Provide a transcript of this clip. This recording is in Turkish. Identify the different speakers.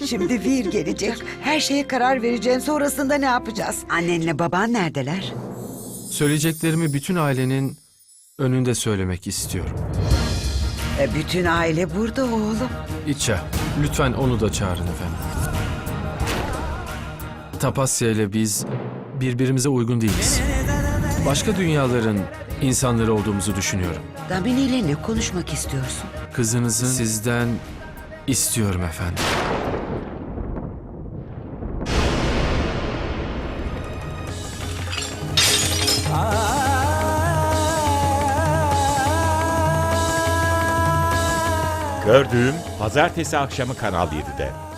Speaker 1: Şimdi Vir gelecek. Her şeye karar vereceğim. Sonrasında ne yapacağız? Annenle baban neredeler?
Speaker 2: Söyleyeceklerimi bütün ailenin önünde söylemek istiyorum.
Speaker 1: Bütün aile burada oğlum.
Speaker 2: İça, lütfen onu da çağırın efendim. Tapasya ile biz birbirimize uygun değiliz. Başka dünyaların insanları olduğumuzu düşünüyorum.
Speaker 1: Damini ile ne konuşmak istiyorsun?
Speaker 2: Kızınızı sizden istiyorum efendim.
Speaker 3: Gördüğüm pazartesi akşamı Kanal 7'de.